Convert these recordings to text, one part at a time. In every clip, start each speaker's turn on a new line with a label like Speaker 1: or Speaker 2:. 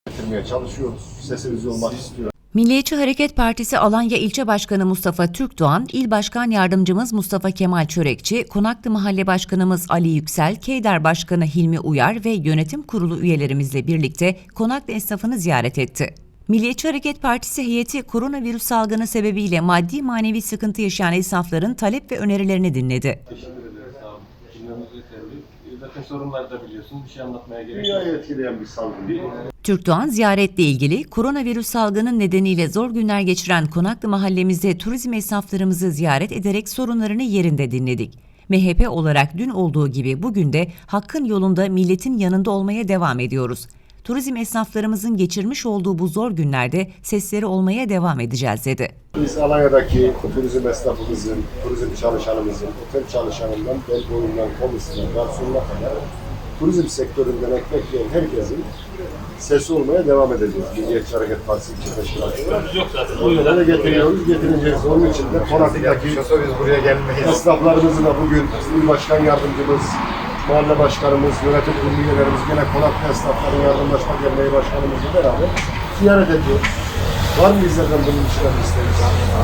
Speaker 1: getirmeye çalışıyoruz. Sesimiz olmak istiyor.
Speaker 2: Milliyetçi Hareket Partisi Alanya İlçe Başkanı Mustafa Türkdoğan, İl Başkan Yardımcımız Mustafa Kemal Çörekçi, Konaklı Mahalle Başkanımız Ali Yüksel, Keyder Başkanı Hilmi Uyar ve yönetim kurulu üyelerimizle birlikte Konaklı esnafını ziyaret etti. Milliyetçi Hareket Partisi heyeti koronavirüs salgını sebebiyle maddi manevi sıkıntı yaşayan esnafların talep ve önerilerini dinledi.
Speaker 3: Teşekkür ederiz. Sağ olun. Dinlememiz yeterli. Zaten sorunları da biliyorsunuz. Bir şey anlatmaya gerek yok.
Speaker 1: Dünyayı etkileyen bir salgın değil.
Speaker 2: Türkdoğan ziyaretle ilgili koronavirüs salgının nedeniyle zor günler geçiren Konaklı mahallemizde turizm esnaflarımızı ziyaret ederek sorunlarını yerinde dinledik. MHP olarak dün olduğu gibi bugün de hakkın yolunda milletin yanında olmaya devam ediyoruz. Turizm esnaflarımızın geçirmiş olduğu bu zor günlerde sesleri olmaya devam edeceğiz dedi.
Speaker 1: Biz Alanya'daki turizm esnafımızın, turizm çalışanımızın, otel çalışanından, bel boyundan, komisyona, garsonuna kadar turizm sektöründen ekmek yiyen herkesin sesi olmaya devam edeceğiz. Milliyetçi Hareket Partisi İlçe Teşkilatı. Bu yola getiriyoruz, getireceğiz. Onun için de Konaklı'daki esnaflarımızı da bugün İl Başkan Yardımcımız, Mahalle Başkanımız, yönetim kurulu üyelerimiz, gene Konaklı Esnafların Yardımlaşma Derneği Başkanımızla beraber ziyaret ediyoruz. Var mı bizlerden bunun için isteğiniz?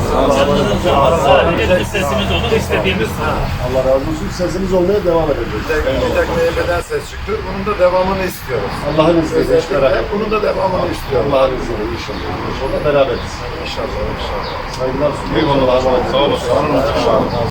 Speaker 4: Sadece sesimiz olur, istediğimiz.
Speaker 1: Allah razı olsun. Sesimiz olmaya devam edeceğiz.
Speaker 5: Bir tek MHP'den ses çıktı. Bunun da devamını istiyoruz.
Speaker 1: Allah'ın izniyle hiç merak etmeyin.
Speaker 5: Bunun da devamını istiyoruz.
Speaker 1: Allah'ın izniyle inşallah. İnşallah beraberiz.
Speaker 5: İnşallah.
Speaker 1: Saygılar sunuyorum.
Speaker 5: Eyvallah. Sağ olasın.